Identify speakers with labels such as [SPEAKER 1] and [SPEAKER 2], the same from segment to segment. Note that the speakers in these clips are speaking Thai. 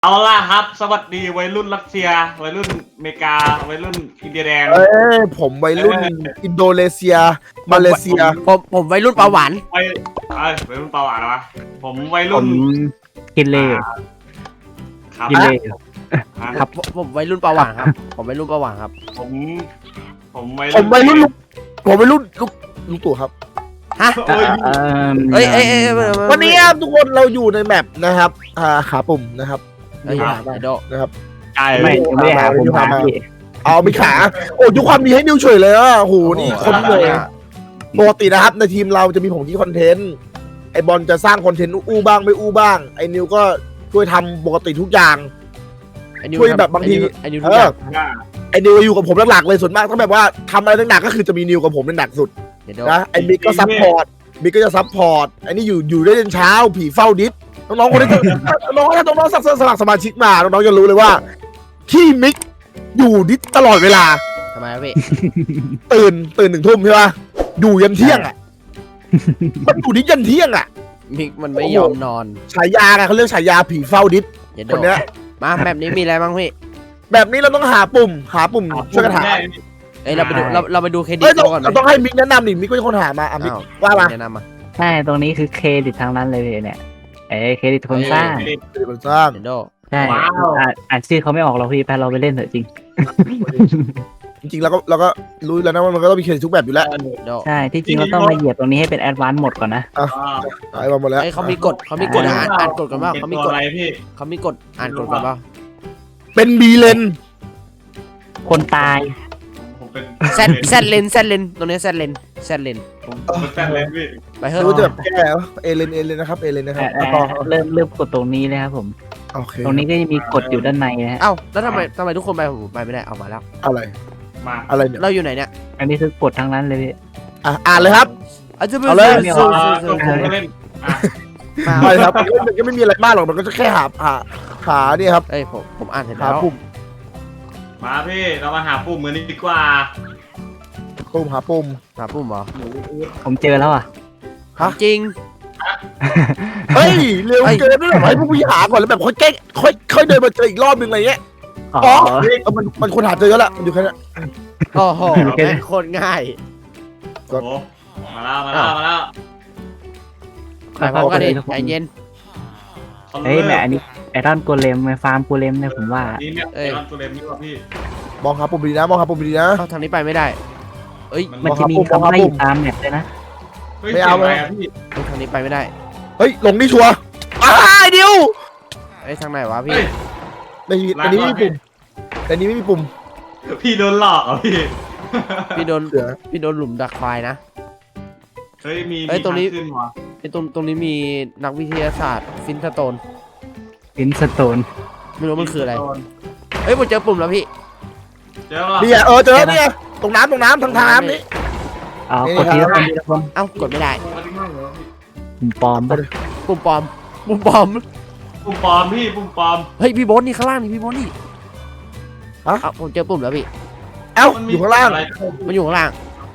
[SPEAKER 1] เอาล่ะครับสวัสดีวัยรุ่นรัสเซียวัยรุ่นอเมริกาวัยรุ่นอินเดียแดง
[SPEAKER 2] ผมวัยรุ่นอินโดนีเซียมาเลเซีย
[SPEAKER 3] ผมวัยรุ่นปลาหวาน
[SPEAKER 1] วัยรุ่นเปาหวานวะผมวัย
[SPEAKER 4] ผ
[SPEAKER 1] รุ่น
[SPEAKER 4] มกินเล่
[SPEAKER 1] ครับ
[SPEAKER 4] กินเล่
[SPEAKER 3] ครับผมวัยรุ่นปลาหวานครับผมวัยรุ่นปลาหวานครับ
[SPEAKER 1] ผมวัย
[SPEAKER 2] ผมวัยรุ่นลุงตู่ครับ
[SPEAKER 3] ฮะ
[SPEAKER 1] เอ้ย
[SPEAKER 3] เอ้ย
[SPEAKER 2] วันนี้ครับทุกคนเราอยู่ในแมปนะครับขาปุ่มนะครับ
[SPEAKER 3] เอ้ย
[SPEAKER 2] ขาบ้าง
[SPEAKER 3] โด
[SPEAKER 2] นะครับ
[SPEAKER 1] ไก่
[SPEAKER 4] ไม่ยังไม่ได้หาผมหาพี่
[SPEAKER 2] เอามีขาโอ้ยุคความดีให้นิวเฉยเลยอ่ะโหนี่คนเลยปกตินะครับในทีมเราจะมีผมที่คอนเทนต์ไอบอลจะสร้างคอนเทนต์อู้บ้างไม่อู้บ้างไอนิวก็ช่วยทำปกติทุกอย่าง ช่วยแบบบางที
[SPEAKER 3] ไอ้นิวทุกอย่าง
[SPEAKER 2] ไอนิวอยู่กับผมหลักๆเลยส่วนมากถ้าแบบว่าทำอะไรหนักๆก็คือจะมีนิวกับผมเป็นหนักสุดนะไอ้บิ๊กก็ซัพพอร์ตบิ๊กก็จะซัพพอร์ตไอ้นี่อยู่ได้จนเช้าผีเฝ้าดิสน้องๆคนนี้น้องๆถ้าน้องๆสมัครสมาชิกมาน้องๆจะรู้เลยว่าที่มิกอยู่ดิสตลอดเวลา
[SPEAKER 3] ทำไมครับพี่
[SPEAKER 2] ตื่น1 ทุ่มใช่ป่ะอยู่ยันเที่ยงอ่ะมันอยู่ดิสยันเที่ยงอ่ะ
[SPEAKER 3] มิกมันไม่ยอมนอน
[SPEAKER 2] ฉายาไงเขาเรียกฉายาผีเฝ้าดิส
[SPEAKER 3] อย่าโด
[SPEAKER 2] คนเนี้ย
[SPEAKER 3] มาแบบนี้มีอะไรบ้างพี่
[SPEAKER 2] แบบนี้เราต้องหาปุ่มช่วยกันหา
[SPEAKER 3] เอ้ยเราไปดูเราไปดูเครดิต
[SPEAKER 2] เอ้ย
[SPEAKER 3] ตัวก่อนไหม
[SPEAKER 2] เราต้องให้มิกแนะนำดิมิกเป็นคนหามามิก
[SPEAKER 3] อ้าว
[SPEAKER 2] ว่ามา
[SPEAKER 3] แนะนำมา
[SPEAKER 4] ใช่ตรงนี้คือเครดิตทางนั้นเลยเนี่ยเครดิตคนสร้าง
[SPEAKER 2] เป็นคนสร้าง
[SPEAKER 3] เดี๋ยวโด
[SPEAKER 4] ใช่อ่านชื่อเขาไม่ออกเราพี่ไปเราไปเล่นเถอะจริง
[SPEAKER 2] จริงๆเราก็รู้แล้วนะว่ามันก็ต้องมีเครดิตทุกแบบอยู่แล้ว
[SPEAKER 3] โด
[SPEAKER 4] ใช่ที่จริงเราต้องมาเหยียบตรงนี้ให้เป็นแอดวานซ์หมดก่อนนะ
[SPEAKER 2] ไอ้มาหมดแล้ว
[SPEAKER 3] เอ้ยเขามีกฎอ่านกฎกันบ้างเขามีกฎ
[SPEAKER 1] อะไรพี่
[SPEAKER 3] เขามีกฎอ่านกฎกันบ้าง
[SPEAKER 2] เป็นบีเลน
[SPEAKER 4] คนตาย
[SPEAKER 1] ผมเป็น
[SPEAKER 3] แซดเลนตรงนี้แซดเลน
[SPEAKER 1] ผมเป็นแฟนเลยพี่
[SPEAKER 3] ไปเฮ้ย
[SPEAKER 2] รู้จะแบบแก้เอเลนนะครับเอเลนนะครับแล้วก็
[SPEAKER 4] เริ่มกดตรงนี้เลยครับผม
[SPEAKER 2] โอเค
[SPEAKER 4] ตรงนี้ก็จะมีกฎอยู่ด้านในนะฮะ
[SPEAKER 3] เอ้าแล้วทำไมทุกคนไปผมไปไม่ได้เอามาแล้ว
[SPEAKER 2] อะไร
[SPEAKER 1] มา
[SPEAKER 2] อะไรเนี่ย
[SPEAKER 3] เราอยู่ไหนเนี่ย
[SPEAKER 4] อันนี้คือกฎทางนั้นเลยพี่
[SPEAKER 2] อ่านเลยครับ เอาเลย
[SPEAKER 1] ตัวผมก็เล่น
[SPEAKER 2] ไปครับมันก็ไม่มีอะไรมากหรอกมันก็จะแค่หาเนี่ยครับ
[SPEAKER 3] เอ้ยผมอ่านเสร็จ
[SPEAKER 2] หา
[SPEAKER 3] แล้ว
[SPEAKER 2] ปุ่ม
[SPEAKER 1] มาพี่เรามาหาปุ่มมือนี้ดีกว่า
[SPEAKER 2] หาปุ่ม
[SPEAKER 3] หาปุ่มเหรอ
[SPEAKER 4] ผมเจอแล้วอ่ะ
[SPEAKER 3] จริง
[SPEAKER 2] เฮ้ยเร็วเกินด้วยให้พวกพี่หาก่อนแล้วแบบค่อยเดินมาเจออีกรอบนึงอะไรเงี้ย
[SPEAKER 4] อ๋อ
[SPEAKER 2] มันคนหาเจอแล้วล่ะมันอยู่แค่นี้
[SPEAKER 3] โอ้โหแม่งโคตรง่าย
[SPEAKER 1] โอ้มาแล้ว
[SPEAKER 3] ไปพร้อมกันดิใจเย็น
[SPEAKER 4] เฮ้ยแม่อันนี้ไอรอนโกเลมไอฟาร์มโกเลมเนี่ยผมว่า
[SPEAKER 1] นี่เนี่ยไอรอนตัวเล็มนี่ว่าพี่
[SPEAKER 2] มองหาปุ่มดีนะมองหาปุ่มดีนะ
[SPEAKER 3] เข้าทางนี้ไปไม่ได้เอ้ย
[SPEAKER 4] มันจะมีคำว่าอยู่ตามแมปเลยนะ
[SPEAKER 1] ไม่เอาเลยพี่
[SPEAKER 3] ทางนี้ไปไม่ได้
[SPEAKER 2] เฮ้ยลงนี่ชัวร์เดียว
[SPEAKER 3] เอ้ยทางไหนวะพี่
[SPEAKER 2] ในนี้ไม่มีปุ่มในนี้ไม่มีปุ่ม
[SPEAKER 1] พี่โดนหลอกอ่ะพี่
[SPEAKER 3] พี่โดน
[SPEAKER 2] เสือ
[SPEAKER 3] พี่โดนหลุมดักควายนะ
[SPEAKER 1] เฮ้ยมี
[SPEAKER 3] เฮ้ยตรงนี้
[SPEAKER 1] ขึ้นวะ
[SPEAKER 3] ไอ้ตรงนี้มีนักวิทยาศาสตร์ฟินสโตน
[SPEAKER 4] ฟินสโตน
[SPEAKER 3] ไม่รู้มันคืออะไรเอ้ยผมเจอปุ่มแล้วพี่
[SPEAKER 1] เจอแล้ว
[SPEAKER 2] นี่เจอเนี่ยตรงน้ำทางน้ำนี่
[SPEAKER 4] อ๋อกดทีละคนทีละคน
[SPEAKER 3] เอ้ากดไม่ได้
[SPEAKER 4] ผมปลอมปะ
[SPEAKER 3] ปุ่มปลอม
[SPEAKER 1] ปุ่มปลอมพี่ปุ่มปลอม
[SPEAKER 3] เฮ้ยพี่โบ๊ทนี่ข้างล่างนี่พี่โบ๊ทนี่ผมเจอปุ่มแล้วพี่
[SPEAKER 2] อยู่ข้างล่าง
[SPEAKER 3] มันอยู่ข้างล่าง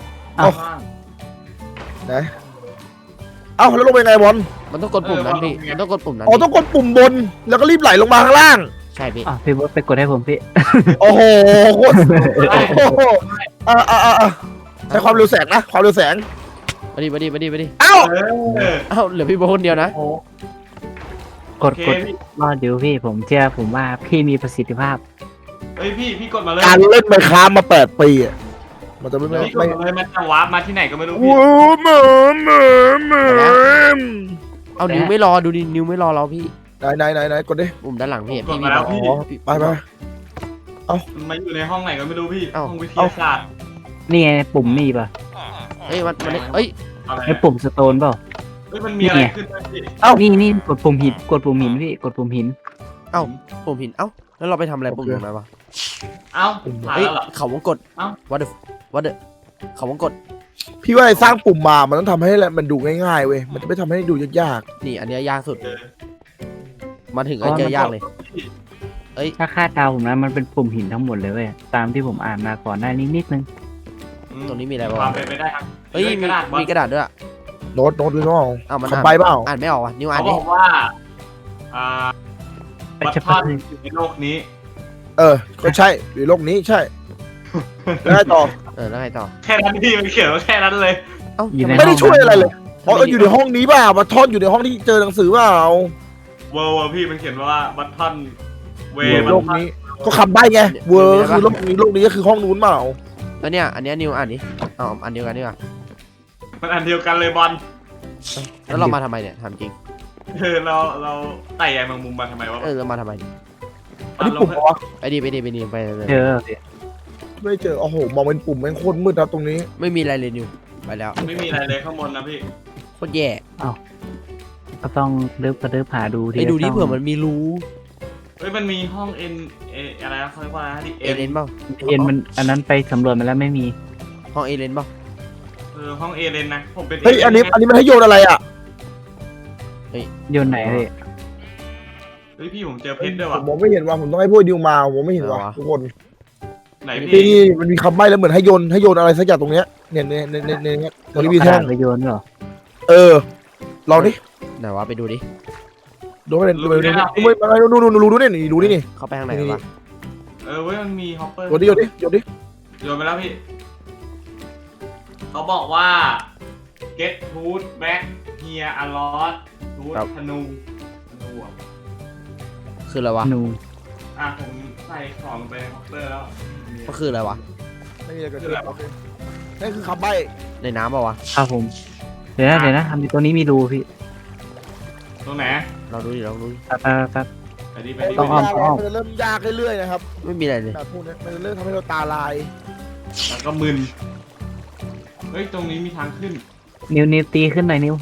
[SPEAKER 2] ไหนแล้วลงไปไงบอล
[SPEAKER 3] มันต้องกดปุ่มนั้นพี่มันต้องกดปุ่มนั้น
[SPEAKER 2] ต้องกดปุ่มบนแล้วก็รีบไหลลงมาข้างล่าง
[SPEAKER 3] ใช่พี่
[SPEAKER 4] อ๋อพี่บดไปกดให้ผมพี่
[SPEAKER 2] โอ้โหโคตรใช้ความเร็วแสงนะความเร็วแสง
[SPEAKER 3] มาดิ
[SPEAKER 2] เอ้า
[SPEAKER 3] เหลือพี่โบ๊ทคนเดียวนะ
[SPEAKER 4] กดรอดอยู่พี่ผมเชื่อผมว่าพี่มีประสิทธิภาพ
[SPEAKER 1] เฮ้ยพี่กดมาเลย
[SPEAKER 2] การเล่นไมค์ค้ามา8 ปีอ่ะมันจะไม่
[SPEAKER 1] พี่กดมาเลยมันจะวาร์ปมาที่ไหนก็ไม่รู้พี่
[SPEAKER 2] โอ้เหมือน
[SPEAKER 3] เอานิ้วไม่รอดูดินิ้วไม่รอเราพี่
[SPEAKER 2] ไหนกดดิ
[SPEAKER 3] ปุ่มด้านหลังพี่
[SPEAKER 1] กดมาแล้วพี่
[SPEAKER 2] ไป
[SPEAKER 1] มันมาอยู่ในห้องไหนก็ไม่รู้พี่ห้องวิทยาศาสตร์
[SPEAKER 4] นี่ไงปุ่มนี่ป่ะ
[SPEAKER 3] เอ้ยมันเอ้ย
[SPEAKER 1] อะไร
[SPEAKER 4] ไอปุ่มสโตนเปล่า
[SPEAKER 1] มันมีอะไรขึ้นพี่
[SPEAKER 4] นี่กดปุ่มหินกดปุ่มหินพี่กดปุ่มหิน
[SPEAKER 3] ปุ่มหินแล้วเราไปทำอะไรปุ่มตรงนั้นวะ
[SPEAKER 1] เอ้าผ่าน
[SPEAKER 3] เฮ้ย
[SPEAKER 1] แล้วเหรอ
[SPEAKER 3] เขาวงกดวัดเดเขาวงกด
[SPEAKER 2] พี่ว่าสร้างปุ่มมามันต้องทำให้มันดูง่ายๆเว้ยมันจะไม่ทำให้ดูยาก
[SPEAKER 3] นี่อันนี้ยากสุดมาถึงก็เจอยากเลย
[SPEAKER 4] ถ้าคาดเดาผมนะมันเป็นปุ่มหินทั้งหมดเลยเว้ยตามที่ผมอ่านมาก่อนหน้านี้นิดนึง
[SPEAKER 3] ตรงนี้มีอะไรบ้าง
[SPEAKER 1] ความเป็นไปได้ครับ
[SPEAKER 3] เฮ้ยมีกระดาษด้วย
[SPEAKER 2] ๆโน้ตหรือเปล่า
[SPEAKER 3] มัน
[SPEAKER 2] ขับไปเปล่า
[SPEAKER 3] อ่านไม่ออกว่ะนิ้วอ่าน
[SPEAKER 1] เขา
[SPEAKER 3] ดิ
[SPEAKER 1] บอกว่าบัตทอนอยู่ในโลกนี้
[SPEAKER 2] ก็ใช่อยู่โลกนี้ใช่แล้วไงต่อ
[SPEAKER 3] แล้วไงต่อ
[SPEAKER 1] แค่นั้นพี่มันเขียนว่าแค่นั้นเลย
[SPEAKER 3] เอ้า
[SPEAKER 4] อยู่ใน
[SPEAKER 2] ไม่ได้ช่วยอะไรเลย
[SPEAKER 3] ทำไม
[SPEAKER 2] อยู่ในห้องนี้เปล่าบัตทอนอยู่ในห้องที่เจอหนังสือเปล่า
[SPEAKER 1] เวอร์พี่มันเขียนว่าบัตทอนเว
[SPEAKER 2] โลกนี้ก็คำใบ้ไงเวอร์คือโลกนี้ก็คือห้องนู้นเปล่า
[SPEAKER 3] แล้วเนี่ยอันเนี้ยนิวอ่านดิเอาอันเดียวกันดีกว่า
[SPEAKER 1] มันอันเดียวกันเลยบอล
[SPEAKER 3] แล้วเรามาทำไมเนี่ยถามจริง
[SPEAKER 1] เราไต่ใยแมงมุมมาทำไมวะ
[SPEAKER 3] เรามาทำไม
[SPEAKER 2] อันนี้ปุ่มเหรอ
[SPEAKER 3] ไปดิไปเลย
[SPEAKER 4] เจอ
[SPEAKER 2] ไม่เจอโอ้โหมองเป็นปุ่มแม่งโคตรมืดครับตรงนี้
[SPEAKER 3] ไม่มีอะไรเลยนิวไปแล้ว
[SPEAKER 1] ไม่มีอะไรเลยข้างบนนะพี่
[SPEAKER 3] โคตรแย่
[SPEAKER 4] ก็ต้องเลิฟกระเดิบหาดู
[SPEAKER 3] ไปดูดิเผื่อมันมีรู
[SPEAKER 1] เฮ้ยมันมีห้องเอ็นอะไรนะเขาเรียกว่าที่
[SPEAKER 3] เอเลนเปล่า
[SPEAKER 4] เอ็นมันอันนั้นไปสำรวจมาแล้วไม่มี
[SPEAKER 3] ห้องเอเลนเปล่า
[SPEAKER 1] ห้องเอเลนนะผมเป็น
[SPEAKER 2] เฮ้ยอันนี้มันให้โยนอะไรอ่ะ
[SPEAKER 4] โยนไหนเลย
[SPEAKER 1] เฮ้ยพี่ผมเจอเพชรด้วย
[SPEAKER 2] ผ
[SPEAKER 1] ว่ะ
[SPEAKER 2] มมองไม่เห็นว่าผมต้องให้พวกดิวมาผมไม่เห็นว่าทุกคน
[SPEAKER 1] ไหน
[SPEAKER 2] นี่
[SPEAKER 1] พี่
[SPEAKER 2] นี่มันมีคำใบ้แล้วเหมือนให้โยนอะไรสักอย่างตรงเนี้ยเนี่ยตรงนี้มี
[SPEAKER 4] กระ
[SPEAKER 2] แท่
[SPEAKER 4] ดาง ษไปโยนเหรอ
[SPEAKER 2] ลองดิ
[SPEAKER 3] ไหนวะไปดูดิ
[SPEAKER 2] ดูไม่เห็นดูนี่นี่
[SPEAKER 3] เข้าไปข้างในวะ
[SPEAKER 1] เว้ยมันมีฮอปเปอร์
[SPEAKER 2] โยนดิ
[SPEAKER 1] โยนไปแล้วพี่เขาบอกว่า get food back here a lot food ธนูอ่ะ
[SPEAKER 3] คืออะไรวะ
[SPEAKER 4] หนู
[SPEAKER 1] ผมใส่ของลงไปในฮอปเปอร์แล้ว
[SPEAKER 3] ก็คืออะไรวะ
[SPEAKER 2] ไม่มีอะไรเกิดขึ้นนั่นคือคำใบ้
[SPEAKER 3] ในน้ำเปล่าวะ
[SPEAKER 4] ครับผม เดี๋ยวนะทำตัวนี้มีรูพี่
[SPEAKER 1] ตรงไหน
[SPEAKER 3] เราดูดิ
[SPEAKER 4] แป๊บ
[SPEAKER 1] ไปดิ
[SPEAKER 2] มันจะเริ่มยากเรื่อยๆนะครับ
[SPEAKER 3] ไม่มีอะไรเลย
[SPEAKER 2] แบบพวกนี้มันจะเริ่มทำให้เราตาลาย
[SPEAKER 1] แล้วก็มึนเฮ้ยตรงนี้มีทางขึ้น
[SPEAKER 4] นิ้วตีขึ้นหน่อยนิ้ว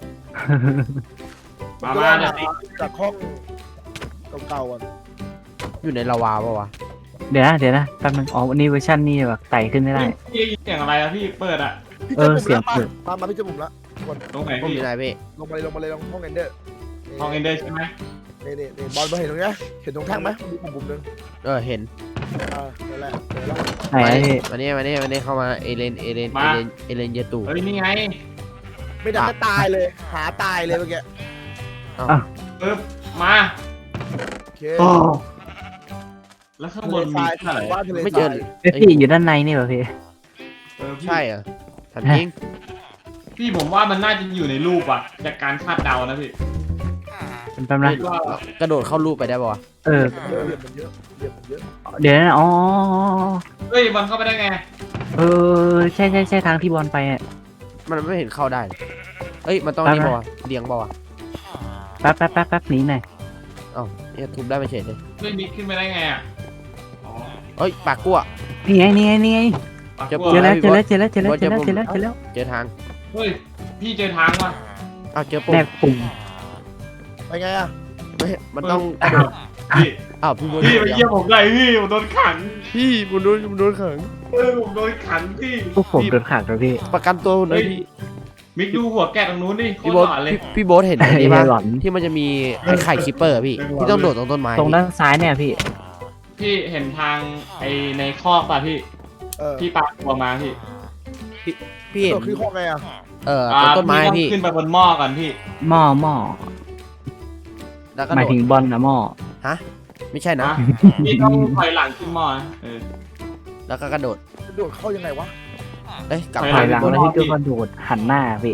[SPEAKER 1] มาเดี๋ยวนี้
[SPEAKER 2] จากห้องเก่าๆก่อน
[SPEAKER 3] อยู่ในลาวาเปล่าวะ
[SPEAKER 4] เดี๋ยวนะแป๊บนึงอ๋อวันนี้เวอร์ชันนี้แบบไต่ขึ้นไม่ได้
[SPEAKER 1] พี่ได้ยินเสียงอะไรอะพี่เปิดอะ
[SPEAKER 4] เสียงเปิด
[SPEAKER 2] มาพี่เจอผมละ
[SPEAKER 1] ตรงไหน
[SPEAKER 3] ผม
[SPEAKER 1] พี่
[SPEAKER 3] อยู่ไหนพี่
[SPEAKER 2] ลงมาเลยลงห้องเอนเดอร์
[SPEAKER 1] ห้องเอนเดอร์ใช่ไหม
[SPEAKER 2] นี่บอลมาเห็นตรงนี้เห็นตรงแท่งไหมมีปุ่มนึง
[SPEAKER 3] เห็น
[SPEAKER 2] นั่นแหละเจอแล้ว
[SPEAKER 4] ไหนพี่
[SPEAKER 3] มานี่เข้ามาเอเลนเยตู
[SPEAKER 1] เฮ้ยนี่ไง
[SPEAKER 2] ไม่ได้ก็ตายเลยหาตายเลยเมื่อกี้
[SPEAKER 1] ปึ๊บมา
[SPEAKER 2] โอเค
[SPEAKER 4] โอ้
[SPEAKER 1] แล้วข้างบนมีอะไร
[SPEAKER 2] ว่าทะเล
[SPEAKER 3] ไม่เจอ
[SPEAKER 4] พี่อยู่ด้านในนี่เหรอพี่
[SPEAKER 1] พี่
[SPEAKER 3] ใช่เหรอถามจริง
[SPEAKER 1] พี่ผมว่ามันน่าจะอยู่ในรูปอะจากการคาดเดานะพี่
[SPEAKER 4] เป็นแป๊บนะ
[SPEAKER 1] ว่าก
[SPEAKER 3] ระโดดเข้ารูปไปได้ป่าวะ
[SPEAKER 2] เรียบมันเยอะ
[SPEAKER 4] เดี๋ยวนะอ๋อ
[SPEAKER 1] เฮ้ยมันเข้าไปได้ไง
[SPEAKER 4] ใช่ทางที่บอลไปอ่ะ
[SPEAKER 3] มันไม่เห็นเข้าได้เอ้ยมันต้องนี่ป่าวะเลี้ยงป่าวะ
[SPEAKER 4] แป๊บหนีหน่อย
[SPEAKER 3] เนี่ยทุบได้ไม่เฉยเลย
[SPEAKER 1] เฮ้ยมิกขึ้นไปได้ไงอะอ๋อ
[SPEAKER 3] เอ้ยปากกั้ว
[SPEAKER 4] นี่ไง
[SPEAKER 1] ปาก
[SPEAKER 3] จะ
[SPEAKER 1] กลัว
[SPEAKER 4] เจอแล้ว
[SPEAKER 3] เจอทาง
[SPEAKER 1] เฮ้ยพี่เจอทางว่ะ
[SPEAKER 3] เจอปุ่
[SPEAKER 4] แน
[SPEAKER 3] ม
[SPEAKER 4] บปุ่ม
[SPEAKER 2] ไปไงอ่ะ
[SPEAKER 3] ไม่มันต้องกระโดด
[SPEAKER 1] พี่
[SPEAKER 3] พี่บน
[SPEAKER 1] พี่ไปเยี่ยมผมได้พี่ผมโดนขัง
[SPEAKER 3] พี่ผมโดนขัง
[SPEAKER 1] ผมโดนขังพี่
[SPEAKER 4] พวกผมโดนขังแล้วพี่
[SPEAKER 3] ประกันตัวหน่อยพี่
[SPEAKER 1] มิกดูหัวแกะตรงนู้นดิโคต
[SPEAKER 3] พี่
[SPEAKER 1] ร
[SPEAKER 3] โบ๊ท
[SPEAKER 1] หล่อเลย
[SPEAKER 3] พี่โบ๊ทเห็นอันนี้ป่ะ
[SPEAKER 4] หลอน
[SPEAKER 3] ที่มันจะมีไข่คิปเปอร์พี่ที่ต้องโดดตรงต้นไม้
[SPEAKER 4] ตรงด้านซ้ายเนี่ยพี่
[SPEAKER 1] พี่เห็นทางไอในคอกป่ะพี่ พี่ปาตัวมาพี่
[SPEAKER 3] พี่เห็น
[SPEAKER 2] คือห้องไงอ่ะ
[SPEAKER 3] ตรงต้นไม้
[SPEAKER 1] ต้อง
[SPEAKER 3] พี่
[SPEAKER 1] ขึ้นไปบนหม้อก่อนพี่
[SPEAKER 4] หม้อ
[SPEAKER 3] แล้วก็
[SPEAKER 4] หมาย
[SPEAKER 3] โด
[SPEAKER 4] ถึ
[SPEAKER 3] ด
[SPEAKER 4] งบอลนะหม้อ
[SPEAKER 3] ไม่ใช่นะ
[SPEAKER 1] พี่ต้องถอยหลังขึ้นหม้อนะ
[SPEAKER 3] แล้วก็กระโดด
[SPEAKER 2] โดดเข้ายังไงวะ
[SPEAKER 3] กลับ
[SPEAKER 4] ถ
[SPEAKER 3] มา
[SPEAKER 4] อยหลัง
[SPEAKER 3] พี่
[SPEAKER 4] แล้ว
[SPEAKER 3] โบ๊ท
[SPEAKER 4] พี่ก็กระโดดหันหน้าพี่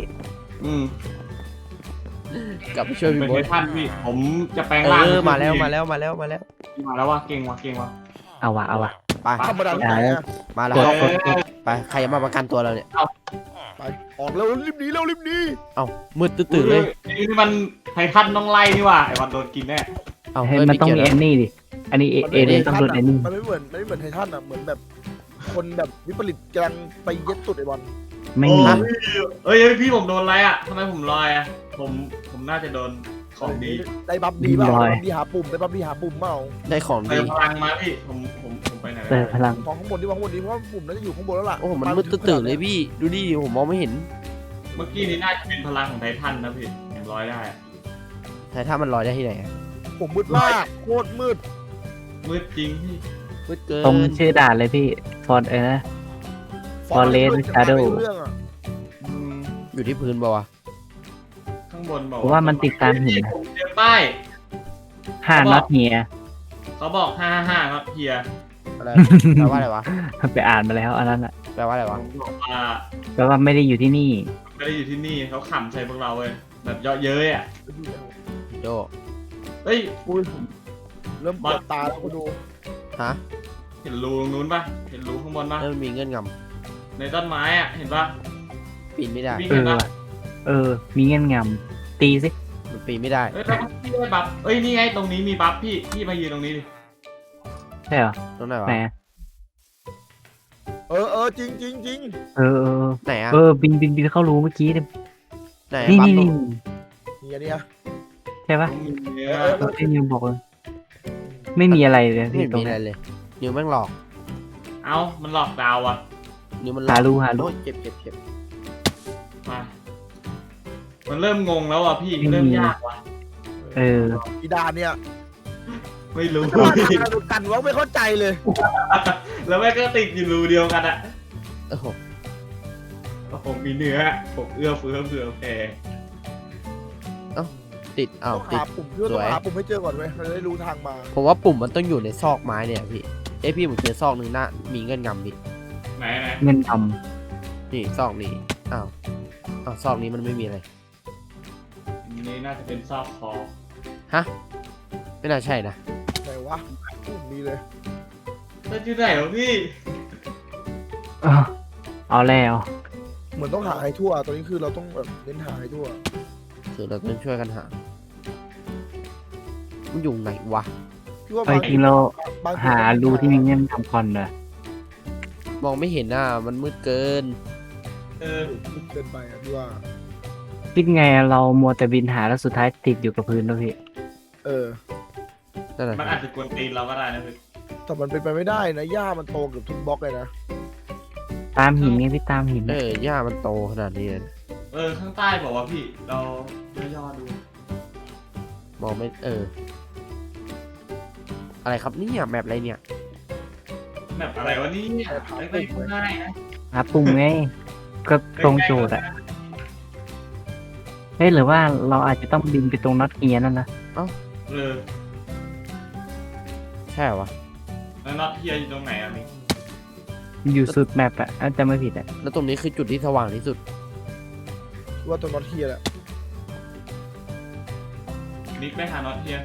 [SPEAKER 3] กลับไปช่วยพี่
[SPEAKER 1] เป็น
[SPEAKER 3] โบ๊
[SPEAKER 1] ไท
[SPEAKER 3] ท
[SPEAKER 1] ทันพี่ผมจะแปลงร่าง
[SPEAKER 3] มาแล้ว
[SPEAKER 1] มาแล้วว่ะเก่งว่ะ
[SPEAKER 4] เอาวะ
[SPEAKER 3] ไป
[SPEAKER 2] ธรรมดาที่ไหนอ่ะ
[SPEAKER 3] มาแล้วไปใครจะมาประกันตัวเราเนี่ย
[SPEAKER 2] ไปออกแล้วรีบหนีแล้วรีบหนี
[SPEAKER 3] มืดตื่นเลย
[SPEAKER 1] นี่มันไททันต้องไล่นี่ว่ะไอ้วันโดนกินแน่
[SPEAKER 4] มันต้องมีแอนนี่ดิ อันนี้เอเลนต้องโดนแอนนี่
[SPEAKER 2] มันไม่เหมือนไททันอ่ะเหมือนแบบคนแบบวิปริตกำลังไปเย็ดตุดไอ้บอล
[SPEAKER 4] ไม่มี
[SPEAKER 1] เอ้ยพี่ผมโดนอะไรอ่ะทำไมผมลอยอ่ะผมน่าจะโดนของดี
[SPEAKER 2] ได้บัฟดีเปล่าได้บัฟดีหาปุ่มเปล่า
[SPEAKER 3] ได้ของ
[SPEAKER 1] เติ
[SPEAKER 3] ดี
[SPEAKER 1] มพลังมาพี่ผมไปไหน
[SPEAKER 4] เติมพลัง
[SPEAKER 2] ของข้างบนดีเพราะว่าปุ่มน่าจะอยู่ข้างบนแล้วล่ะ
[SPEAKER 3] โอ้มันมืดตื่นเลยพี่ดูดิผมมองไม่เห็น
[SPEAKER 1] เมื่อกี้นี้น่าจะเป็นพลังของไททันนะพี่ผมลอยได้
[SPEAKER 3] แต่ถ้ามันลอยได้ที่ไหน
[SPEAKER 2] ผมมืดมากโคตรมืด
[SPEAKER 1] มืดจริงพี่
[SPEAKER 3] มืดเกิน
[SPEAKER 4] ตรงชื่อด่านเลยพี่ ฟอนนะ Forest Shadow
[SPEAKER 3] อยู่ที่พื้นป่าวะ
[SPEAKER 1] ข้างบนบอก
[SPEAKER 4] ผมว่ามันติดตามหิน
[SPEAKER 1] ผมเจอป้าย
[SPEAKER 4] 5 น็อตเฮีย
[SPEAKER 1] เขาบอก555ครับเฮีย
[SPEAKER 3] อะไรแปลว่าอะไรวะ
[SPEAKER 4] ไปอ่านมาแล้วอันนั้นอ่ะ
[SPEAKER 3] แปลว่าอะไร
[SPEAKER 1] ผ
[SPEAKER 3] วะ
[SPEAKER 1] มบอกว่า
[SPEAKER 4] แปลว่าไม่ได้อยู่ที่นี่
[SPEAKER 1] ไม่ได้อยู่ที่นี่เขาขำใส่พวกเราเลยแบบเยาะเย้ยอ่ะ
[SPEAKER 3] โจ
[SPEAKER 1] เฮ้ย
[SPEAKER 2] อุ้ยเริ่มปวดตาแล้วก็ดู
[SPEAKER 3] ฮะ
[SPEAKER 1] เห็นรูตรงนู้นปะเห็นรูข้างบนปะ
[SPEAKER 3] นั่นมันมีเงื่อนง
[SPEAKER 1] ในต้นไม้อ่ะเห็นปะ
[SPEAKER 3] ำปีนไม่ได้
[SPEAKER 1] วิ่ง
[SPEAKER 4] เอ
[SPEAKER 1] เห็น
[SPEAKER 4] อ
[SPEAKER 1] ปะ
[SPEAKER 4] มีเงื่อนงำตีสิ
[SPEAKER 3] มันปีนไม่ได้
[SPEAKER 1] เอ้ยแล้วพี่ได้บัฟเอ้ยนี่ไงตรงนี้มีบัฟพี่มายืนตรงนี้ดิ
[SPEAKER 4] ใช่เหรอ
[SPEAKER 3] ตรงไหนวะ
[SPEAKER 4] ไหน
[SPEAKER 2] จริงจริงจริง
[SPEAKER 4] เออ
[SPEAKER 3] ไหนอะ
[SPEAKER 4] บินเข้ารูเมื่อกี้เนี่ย
[SPEAKER 3] ไหน
[SPEAKER 4] นี่
[SPEAKER 3] ปั๊บ
[SPEAKER 4] นี่
[SPEAKER 3] ตรง
[SPEAKER 2] เนี่ย
[SPEAKER 4] ใช่ปะ
[SPEAKER 1] ตรงนี้
[SPEAKER 4] ที่นิวบอกเลยไม่มีอะไรเลย
[SPEAKER 3] ไม่
[SPEAKER 4] ที่
[SPEAKER 3] เห็น
[SPEAKER 4] ตร
[SPEAKER 3] มี
[SPEAKER 4] ง
[SPEAKER 3] อะไร
[SPEAKER 4] นั้น
[SPEAKER 3] เลยนิ้วแม่งหลอก
[SPEAKER 1] เอ้ามันหลอกดาวอ่ะ
[SPEAKER 3] นิ้วมันหลอก
[SPEAKER 4] หารู
[SPEAKER 3] โอ้ยเจ็บเจ็บเจ็บ
[SPEAKER 1] มามันเริ่มงงแล้วอ่ะพี่เริ่มยากว่ะ
[SPEAKER 4] เออ
[SPEAKER 2] อีดาเนี่ย
[SPEAKER 1] ไม่รู้
[SPEAKER 2] ดูกันว่าไม่เข้าใจเลย
[SPEAKER 1] แล้วแม่งก็ติดอยู่รูเดียวกันอ่ะ
[SPEAKER 3] โอ้โห
[SPEAKER 1] ผมมีเนื้อผมเอื้อเฟื้อเผื่อแผ่
[SPEAKER 3] ติดอ้าว
[SPEAKER 2] ต้อง
[SPEAKER 3] ติด
[SPEAKER 2] หาปุ่มเพื่อต้องหาปุ่มให้เจอก่อนเว้ยเราจะได้รู้ทางมา
[SPEAKER 3] ผมว่าปุ่มมันต้องอยู่ในซอกไม้เนี่ยพี่พี่ผมเจอซอกหนึ่งหน้ามีเงื่อนงำพี่
[SPEAKER 1] ไหน
[SPEAKER 4] เงินท
[SPEAKER 3] นี่ซอกนี้อ้าวซอกนี้มันไม่มีอะไร
[SPEAKER 1] นี่น่าจะเป็นซอกคอ
[SPEAKER 3] ฮะไม่น่าใช่นะ
[SPEAKER 2] ไหนวะปุ่มนี้เลย
[SPEAKER 1] แล้วอยู่ไหนวะพี่
[SPEAKER 4] ำเอาแล้ว
[SPEAKER 2] เหมือนต้องหาให้ทั่วตอนนี้คือเราต้องแบบเน้นหาให้ทั่ว
[SPEAKER 3] คือเราต้องช่วยกันหามันอยู่ไหนวะ
[SPEAKER 2] พี่ว่า
[SPEAKER 4] ไปจริงเรา
[SPEAKER 2] บางที
[SPEAKER 4] หารูที่มีเงื่อนทำคอนเลย
[SPEAKER 3] มองไม่เห็นอ่ะมันมืดเกิน
[SPEAKER 1] เออ
[SPEAKER 2] เกินไปอ่ะพี่ว่า
[SPEAKER 4] คิดไงเรามัวแต่บินหาแล้วสุดท้ายติดอยู่กับพื้นแล้วพี่
[SPEAKER 2] เออ
[SPEAKER 3] นั่นแหละ
[SPEAKER 1] มันอาจจะกวนตีนเราก็ได้นะพี่
[SPEAKER 2] แต่มันเป็นไปไม่ได้นะหญ้ามันโตเกือบทุกบล็อกเลยนะ
[SPEAKER 4] ตามหินไงพี่ตามหิน
[SPEAKER 3] หญ้ามันโตขนาดนี้เลย
[SPEAKER 1] ข้างใต้บอกว่าพี่เราย่อๆดู
[SPEAKER 3] มองไม่อะไรครับเนี่ยแมปอะไรเนี่ย
[SPEAKER 1] แบบอะไรวะนี่ไม่ง่ายนะ
[SPEAKER 4] หาปุ่มไงก็ตรงโจทย์อะเฮ้ยหรือว่าเราอาจจะต้องบินไปตรงน็อตเอียนั่นนะ
[SPEAKER 1] เออ
[SPEAKER 3] ใช่เหรอวะ
[SPEAKER 1] แล้วน็อตเทียอยู่ตรงไหนอ่ะมิก
[SPEAKER 4] อยู่สุดแมปอะอาจจะไม่ผิดอะ
[SPEAKER 3] แล้วตรงนี้คือจุดที่สว่างที่สุด
[SPEAKER 2] พี่ว่าตัวน็อตเทียแหละ
[SPEAKER 1] มิกไม่หาน็อตเทีย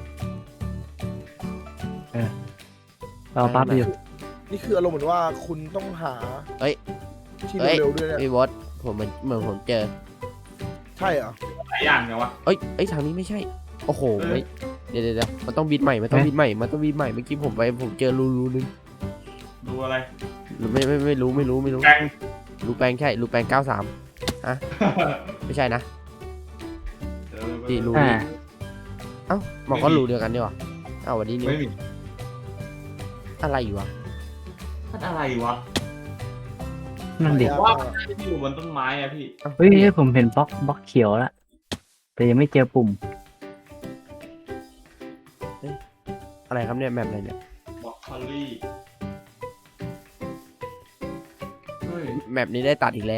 [SPEAKER 4] เราปั๊บอยู่
[SPEAKER 2] นี่คืออารมณ์เหมือนว่าคุณต้องหา
[SPEAKER 3] เอ้ย
[SPEAKER 2] ที่
[SPEAKER 3] เอ้ย
[SPEAKER 2] เร็วๆด้วยเนี่ย
[SPEAKER 3] พี่บอสผมเหมือนผมเจอ
[SPEAKER 2] ใช่เหรอ
[SPEAKER 1] หลายอย่างไงวะ
[SPEAKER 3] เอ้ยทางนี้ไม่ใช่ โอ้โห
[SPEAKER 1] เออ
[SPEAKER 3] เฮ้ยเดี๋ยวมันต้องบินใหม่มันต้องบินใหม่มันต้องบินใหม่เมื่อกี้ผมเจอรูนึง
[SPEAKER 1] ดูอะไร
[SPEAKER 3] ไม่รู้
[SPEAKER 1] แกง
[SPEAKER 3] รูแปลงใช่รูแปลง93ฮะไม่ใช่นะที่รู
[SPEAKER 4] อ่า
[SPEAKER 3] นี้เอ้ามันก็รูเดียวกันนี่หว่าเอ้าวันนี้นี่
[SPEAKER 1] ไม่มี
[SPEAKER 3] อะไรอยู่วะ
[SPEAKER 1] มันอะไรวะ
[SPEAKER 4] นั่นดิ
[SPEAKER 1] ว่าที่อยู่บนต้นไม้อะพี่
[SPEAKER 3] อ้า
[SPEAKER 4] เฮ้ยผมเห็นบล็อกเขียวแล้วแต่ยังไม่เจอปุ่ม
[SPEAKER 3] อะไรครับเนี่ยแมปอะไรเนี่ย
[SPEAKER 1] บอกคอลลี่เฮ้ย
[SPEAKER 3] แมปนี้ได้ตัดอีกแล้ว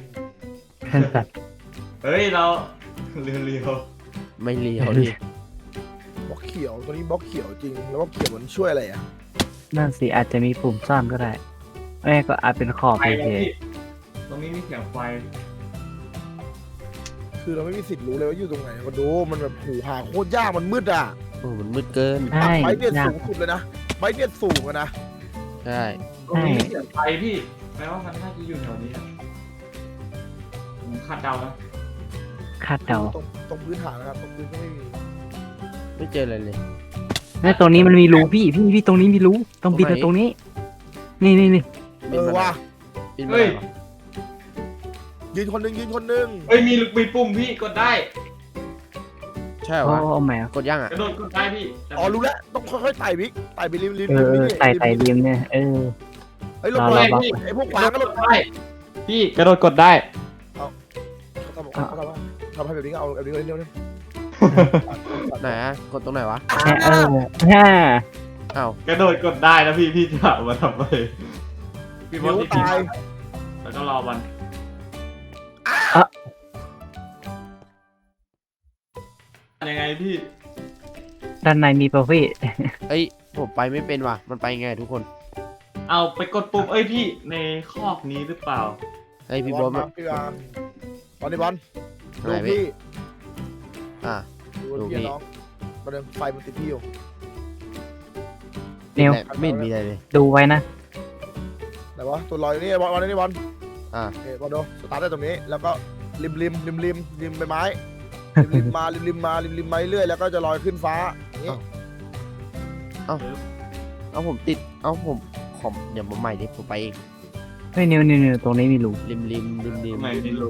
[SPEAKER 1] เฮ้ยเราเรียว
[SPEAKER 3] ไม่เลี้ยวดิ
[SPEAKER 2] บล็อกเขียวตัวนี้บล็อกเขียวจริงแล้วบล็อกเขียวมันช่วยอะไรอ่ะ
[SPEAKER 4] นั่นสิอาจจะมีปุ่มซ่อนก็ได้ไม่ก็อาจเป็นขอบ
[SPEAKER 1] ๆไฟ
[SPEAKER 4] เฉ
[SPEAKER 1] นะ
[SPEAKER 4] ย
[SPEAKER 1] พี่ตรงนี้มีเสียงไฟ
[SPEAKER 2] คือเราไม่มีสิทธิ์รู้เลยว่าอยู่ตรงไหนมาดูมันแบบหูหาโคตรยากมันมืดอ่ะ
[SPEAKER 3] โอ้มันมืดเกิน
[SPEAKER 4] ๆใช่
[SPEAKER 2] ไบเนีย
[SPEAKER 4] ยาก
[SPEAKER 2] สูงสุดเลยนะไบเนียสูงอะนะ
[SPEAKER 3] ใช่
[SPEAKER 1] ตรงนี้มีเสียงไฟพี่แปลว่ามันน่าจะอยู่แถวนี้อะผมคาดเดานะ
[SPEAKER 4] คาดเดา
[SPEAKER 2] ตรงพื้นฐานนะครับตรงพื้นก็ไม่มี
[SPEAKER 3] ไม่เจออะไรเลย
[SPEAKER 4] แล้วตรงนี้มันมีรูพี่ตรงนี้มีรูต้องบินไปตรงนี้ นี่
[SPEAKER 2] เออว่ะ
[SPEAKER 3] บินมาไหนวะ
[SPEAKER 2] ยืนคนหนึ่งยืนคนหนึ่ง
[SPEAKER 1] เฮ้ยมีปุ่มพี่กดได้
[SPEAKER 3] ใช่เหรอ
[SPEAKER 4] โอ้
[SPEAKER 3] วะ
[SPEAKER 4] เอาแหม
[SPEAKER 3] กดย่างอ่ะ
[SPEAKER 1] กระโดดกดได้พี่แต่
[SPEAKER 2] อ๋อรู้แล้วต้องค่อยๆไต่บิ๊กไต่ไปริม
[SPEAKER 4] ไต่ริมเนี่ย
[SPEAKER 2] ไอ้ยลง
[SPEAKER 4] เรา
[SPEAKER 2] มา
[SPEAKER 4] เรา
[SPEAKER 2] ไอ้พวกขวางก็ลง
[SPEAKER 1] ได้พี่กระโดดกดได้
[SPEAKER 2] เขาทำให้แบบนี้ก็เอาแบบนี้เร็ว
[SPEAKER 3] ไหนอะกดตรงไหนวะ
[SPEAKER 4] ฮ่า
[SPEAKER 3] อ้าว
[SPEAKER 1] กระโดดกดได้นะพี่จะเอามาทำไมพี่บอ
[SPEAKER 2] นิ้
[SPEAKER 1] ส
[SPEAKER 2] ว
[SPEAKER 1] ติด
[SPEAKER 2] ตาย
[SPEAKER 1] แล้วก็รอวันยังไงพี่
[SPEAKER 4] ด้านในมีประเภท
[SPEAKER 3] เอ้ยผมไปไม่เป็นว่ะมันไปไงทุกคน
[SPEAKER 1] เอาไปกดปุ่มเอ้ยพี่ในคอกนี้หรือเปล่า
[SPEAKER 3] เฮ้ยพี่โบ๊ท
[SPEAKER 2] บอลพี่อาร์บอลนี่บอลดู
[SPEAKER 3] ไหนพี่
[SPEAKER 2] พี่
[SPEAKER 3] อ่ะ
[SPEAKER 2] ดู
[SPEAKER 3] ดูพี่
[SPEAKER 2] พี่น้องประเด็นไฟมันติดพี่อยู่
[SPEAKER 4] นิว
[SPEAKER 3] ไม่เห็นมีอะไรเลย
[SPEAKER 4] ดูไว้นะ
[SPEAKER 2] ไหนวะตัวลอยนี่บอลนี่บอล
[SPEAKER 3] อ่ะ
[SPEAKER 2] โอเคบอลดูสตาร์ทได้ตรงนี้ แล้วก็ริมใบไม้ริมมาเรื่อยแล้วก็จะลอยขึ้นฟ้าอย่างนี้
[SPEAKER 3] เอาผมติดเอาผมขอเดี๋ยวมาใหม่ดิผมไปเอง
[SPEAKER 4] เฮ้ยนิวตรงนี้มีรู
[SPEAKER 3] ริม
[SPEAKER 1] ทำไมไม่รู้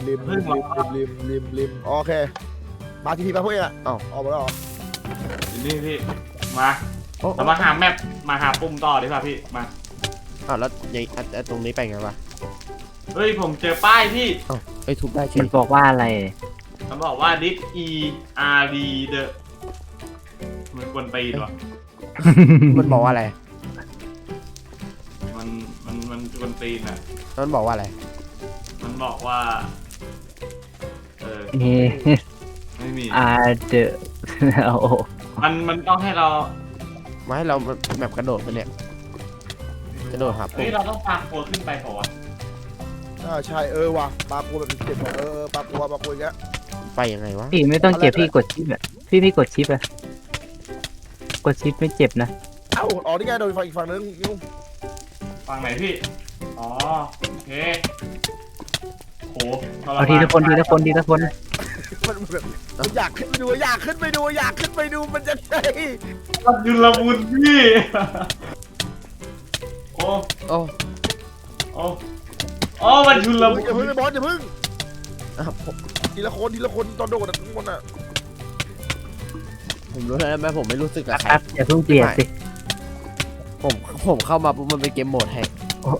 [SPEAKER 2] ริมโอเคมาทีพีมาพวกเองอ่ะออกมาแล้วเหรอ
[SPEAKER 1] นี่พี่มา
[SPEAKER 3] โอ้
[SPEAKER 1] เรามาหาแมปมาหาปุ่มต่อดีกว่าพี่มา
[SPEAKER 3] อ้าวแล้วยังตรงนี้ไปไงวะ
[SPEAKER 1] เฮ้ยผมเจอป้ายพี่
[SPEAKER 3] อ้าวเอ้ยทุบได้เฉ
[SPEAKER 4] มัน
[SPEAKER 3] ย
[SPEAKER 4] บอกว่าอะไร
[SPEAKER 1] เขาบอกว่า this e r d the มันควรตีนวะ
[SPEAKER 3] มันบอกว่าอะไร
[SPEAKER 1] มันควรตีนอ่ะ
[SPEAKER 3] มันบอกว่าอะไร
[SPEAKER 1] มันบอกว่า
[SPEAKER 4] นี่
[SPEAKER 1] ไม่มี
[SPEAKER 4] เดอโอ้
[SPEAKER 1] มันต้องให้เรา
[SPEAKER 3] มาให้เราแบบกระโดดไปเนี่ยกระโดดหา
[SPEAKER 1] เฮ้
[SPEAKER 3] ปุ่
[SPEAKER 1] ย
[SPEAKER 3] ม
[SPEAKER 1] เราต้องพาโคขึ้นไปเปล่าวะ
[SPEAKER 2] ใช่ว่ะปลากัวแบบเจ็บว่ะปลากัวอย่างเงี้ย
[SPEAKER 3] ไปยังไงวะ
[SPEAKER 4] พี่ไม่ต้องเจ็บพี่กดชิปอะพี่กดชิปอะกดชิปไม่เจ็บนะ
[SPEAKER 2] เอ้าอ๋อนี่ไงโดนอีกฝั่งนึงนิ้ว
[SPEAKER 1] ฟังไหนพี่อ๋อโอเคโห
[SPEAKER 4] เอาทีละคน
[SPEAKER 2] มันแบบอยากขึ้นไปดูมันจะใช่
[SPEAKER 1] มันยุลมุนพี่โอ้
[SPEAKER 3] โอ้
[SPEAKER 1] โอ้มันยุลมุน
[SPEAKER 2] อย่าเพิ่งบอลอย่าเพิ่ง
[SPEAKER 3] อ่ะผม
[SPEAKER 2] ทีละคนตอนโดดทุกคนอ่ะ
[SPEAKER 3] ผมรู้แล้วแม่ผมไม่รู้สึกกับใคร
[SPEAKER 4] ครับอย่าเพิ่งเปลี่ยนสิ
[SPEAKER 3] ผมเข้ามาปุ๊บมันเป็นเกมโหมดแฮก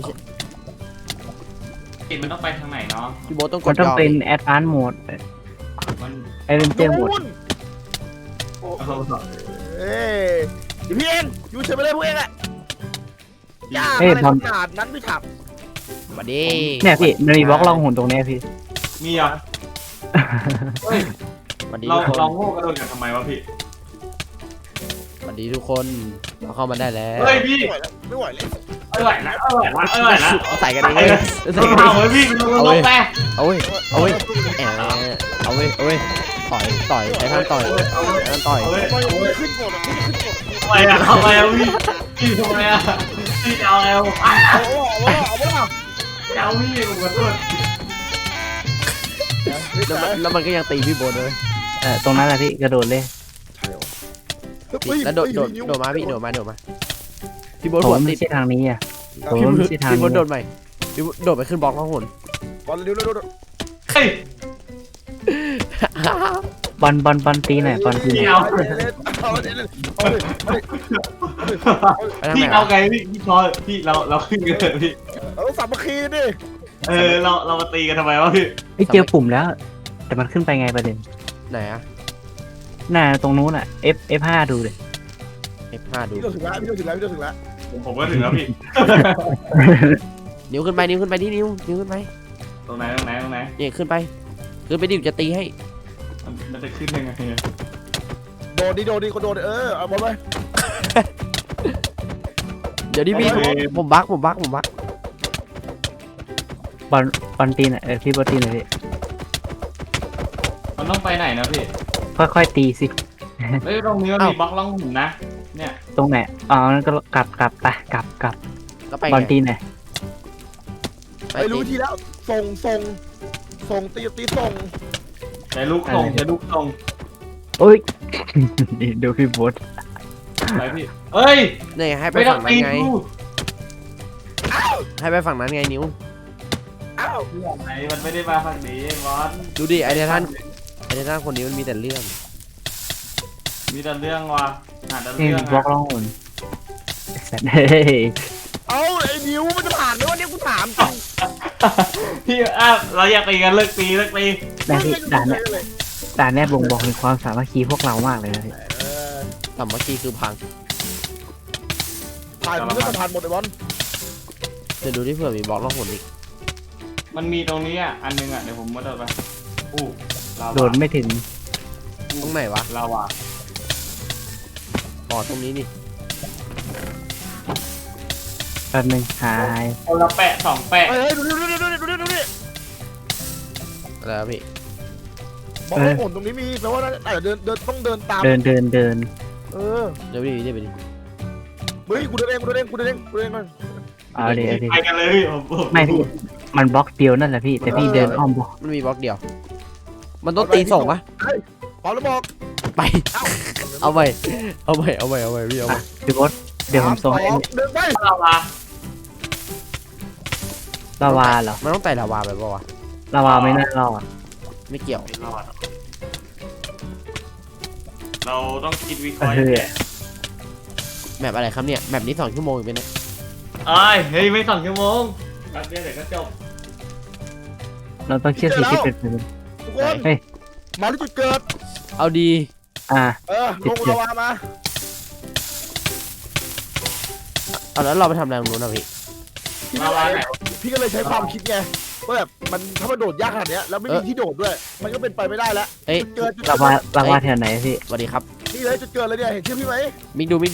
[SPEAKER 1] กินมันต้องไปทางไหนเนาะ
[SPEAKER 3] พี่โบ๊ทต้องก
[SPEAKER 4] มั
[SPEAKER 3] ด
[SPEAKER 4] นต้อง
[SPEAKER 3] ยอม
[SPEAKER 4] เป็นแอดวานซ์โหมด
[SPEAKER 1] มัน
[SPEAKER 4] ไอเวนเจอร์โหมด
[SPEAKER 2] เอ้ยพี่เองอยู่เฉยไปเลยพวกเองอ่ะยาก
[SPEAKER 4] เฮ้ย
[SPEAKER 2] อะไร
[SPEAKER 4] บอล
[SPEAKER 2] ขนาดนั้นพี่ถับ
[SPEAKER 3] มาดิ
[SPEAKER 4] เนี่ยพี่มันมีบล็อกล่องหุ่นตรงเนี้ยพี่
[SPEAKER 1] มีอ่ะเฮ้ย
[SPEAKER 3] มาดิ
[SPEAKER 1] เรา
[SPEAKER 3] ทุกคน
[SPEAKER 1] เราโง่กระโดดกันทำไมวะพี่
[SPEAKER 3] มาดิทุกคนเราเข้ามาได้แล้ว
[SPEAKER 1] เฮ้ยพี่
[SPEAKER 2] ไม่ไหวเลย
[SPEAKER 1] ไม่ไหวแล้ว
[SPEAKER 3] ใส่กันเองใส่กันเอ
[SPEAKER 1] เอา
[SPEAKER 3] ง
[SPEAKER 1] ไว้พี่ลงไป
[SPEAKER 3] เอาเว้ยเอาเว้ยเอาเว้ยต่อยใช้ท่านต่อยต่อย
[SPEAKER 1] เอาไว้
[SPEAKER 2] ไม่ขึ้นกดอ่ะไม่ขึ้นกด
[SPEAKER 1] ทำไมอ่ะพี่ทำไมอ่ะพี่จะเอาไงวะ
[SPEAKER 2] เอา
[SPEAKER 1] จะเอาพี่ผมขอโทษ
[SPEAKER 3] แล้วมันก็ยังตีพี่โบ๊ทเลย
[SPEAKER 4] ตรงนั้นแหละพี่กระโดดเลย
[SPEAKER 3] แล้วโดดมาพี่โดดมาพี่โบ๊ท
[SPEAKER 4] ผ
[SPEAKER 3] หัว
[SPEAKER 4] ม
[SPEAKER 3] ติ
[SPEAKER 4] ไม่
[SPEAKER 3] ด
[SPEAKER 4] ใช่ทางนี้อ่ะผม
[SPEAKER 3] พี่
[SPEAKER 4] ไม่ใช่ทาง
[SPEAKER 3] โบ๊ท
[SPEAKER 4] นี้
[SPEAKER 3] โดดใหม่พี่โดดไปขึ้นบล็อกข้างหน
[SPEAKER 2] บอลเร็ว
[SPEAKER 1] เฮ้ย
[SPEAKER 4] บอลตีหน่อยบอลตีหน่อย
[SPEAKER 2] เอา
[SPEAKER 1] พี่เอาไงพี่ชอพี่เราขึ้นกันเถอะพี่
[SPEAKER 2] เอาสามัคคีดิ
[SPEAKER 1] เรามาตีกันทำไมวะพี่
[SPEAKER 4] พี่เจอปุ่มแล้ว แต่มันขึ้นไปไงประเด็น
[SPEAKER 3] ไหนอะ
[SPEAKER 4] หน้าตรงนู้นอ่ะ F5 ดูเลย
[SPEAKER 3] F5 ดู
[SPEAKER 2] พี่ถึงแล้ว
[SPEAKER 1] ผมก็ถึงแล้วพี่
[SPEAKER 3] นิ้วขึ้นไปนิ้วขึ้นไป
[SPEAKER 1] ตรงไหน
[SPEAKER 3] เนี่ยขึ้นไปดิวจะตีให้
[SPEAKER 1] มันจะขึ้นยังไง
[SPEAKER 2] โดดก็โดดเอาบอลไป
[SPEAKER 3] เดี๋ยวดิพี่ผมบัก
[SPEAKER 4] บอลตีหน่อยพี่บอลตีหน่อยพี่
[SPEAKER 1] มันต้องไปไหนนะพี่
[SPEAKER 4] ค่อยๆตีสิ
[SPEAKER 1] เฮ้ยตรงนี้มันมีบล็อกล่องหุ่นนะเนี่ย
[SPEAKER 4] ตรงไหนอ๋อนั่นก็กลับไปกลับ
[SPEAKER 3] แล้วไป
[SPEAKER 4] บอล
[SPEAKER 3] ไง
[SPEAKER 4] ตีหน่อย
[SPEAKER 2] ไม่รู้ทีแล้วส่งตีส่ง
[SPEAKER 1] ใช้ลูกส่ง
[SPEAKER 4] โอ้ย ดูพี่บอส
[SPEAKER 1] ไปพี่เอ้ย
[SPEAKER 3] เนี่ยให้ไป
[SPEAKER 1] ไม่ต้อ
[SPEAKER 3] ฝั่
[SPEAKER 1] ง
[SPEAKER 3] งนั้
[SPEAKER 1] ตี
[SPEAKER 3] นไง
[SPEAKER 1] กู
[SPEAKER 3] ให้ไปฝั่งนั้นไงนิ้ว
[SPEAKER 2] อ้าว
[SPEAKER 1] ไหนมันไม่ได้มาฝั่งนี้บอส
[SPEAKER 3] ดูดิไอเดท่านคนนี้มันมีแต่เรื่อง
[SPEAKER 1] มีแต่เรื่องว่ะหาแต่
[SPEAKER 4] นี่
[SPEAKER 1] เรื่อง
[SPEAKER 4] บล็อกล่องหุ่นสัตว์เฮ้ย
[SPEAKER 2] เอาไอ้นิ้วมันจะผ่านไหมวะเนี่ยกูถามจริง
[SPEAKER 1] พี่เราอยากตีกันเลิกตี
[SPEAKER 4] แต่พี่ด่านเนี้ยบ่งบอกถึงความสามัคคีพวกเรามากเลยนะพี่
[SPEAKER 3] สามัคคีคือพัง
[SPEAKER 2] ผ่านมันก็จะผ่านหมดไอ้บอล
[SPEAKER 3] เดี๋ยวดูที่เผื่อมีบล็อกล่องหนอีก
[SPEAKER 1] มันมีตรงนี้อ่ะอันนึงอ่ะเดี๋ยวผมมาโดดไปอู้ลาวา
[SPEAKER 4] โดดไม่ถึง
[SPEAKER 3] ตรงไหนวะ
[SPEAKER 1] ลาวา
[SPEAKER 3] อ๋อตรงนี้นี่
[SPEAKER 4] แป๊บนึงหาย
[SPEAKER 1] คนละแปะสองแปะ
[SPEAKER 2] เฮ้ยดูนี่
[SPEAKER 3] อะไรครับพี่
[SPEAKER 2] บอกว่าผลตรงนี้มีแปลว่าอาจจะเดินต้องเดินตาม
[SPEAKER 4] เดิน
[SPEAKER 2] เออ
[SPEAKER 3] เดี๋ยวไปดิเดี๋ยวไปดิ
[SPEAKER 2] เฮ้ยกูเดินเองมัน
[SPEAKER 4] เอาดิ
[SPEAKER 1] ไปกันเลยพี่ผม
[SPEAKER 4] ไม่พี่มันบล็อกเดียวนั่นแหละพี่แต่พี่เดินอ้อมบล็อก
[SPEAKER 3] มันมีบล็อกเดียว มันต้องตีส่งปะ
[SPEAKER 2] พร้อมแล้วบอก
[SPEAKER 3] ไป เอาไปพี่เอาไป
[SPEAKER 4] พี่บอสเดี๋ยวผมส่งให้
[SPEAKER 2] เดินไป
[SPEAKER 1] เราละ
[SPEAKER 4] ลาวาเหรอ
[SPEAKER 3] มันต้องไต่ลาวาไปปะวะ
[SPEAKER 4] ลาวาไม่น่ารอด
[SPEAKER 3] ไม่เกี่ยว
[SPEAKER 1] ไม่รอดเราต้องคิดวิเคราะห์
[SPEAKER 3] แมปอะไรครับเนี่ยแมปนี้2 ชั่วโมงอีกไหมเนี่ย
[SPEAKER 1] เฮ้ยไม่2 ชั่วโมงแป๊บเดียวเดี๋ยวก็จบ
[SPEAKER 4] เราต้องเชื่อสิ่งที่เป็นไป
[SPEAKER 2] ทุกคนมาที่จุดเกิด
[SPEAKER 3] เอาดี
[SPEAKER 2] ลงลาวามา
[SPEAKER 3] เอาแล้วเราไปทำอะไรตรงนู้นนะพี่
[SPEAKER 1] ลาวาไหน
[SPEAKER 2] พี่ก็เลยใช้ความคิดไงว่าแบบมันถ้ามันโดดยากขนาดเนี้ยแล้วไม่มีที่โดดด้วย มันก็เป็นไปไม่ได้แล้ว
[SPEAKER 3] เอ้ย
[SPEAKER 2] จุดเกิด
[SPEAKER 4] ลาวาแถวไหนพี่
[SPEAKER 3] สวัสดีครับ
[SPEAKER 2] นี่เลยจุดเกิดเลยเนี่ยเห็นชื่อพี่ไหม
[SPEAKER 3] มิกดู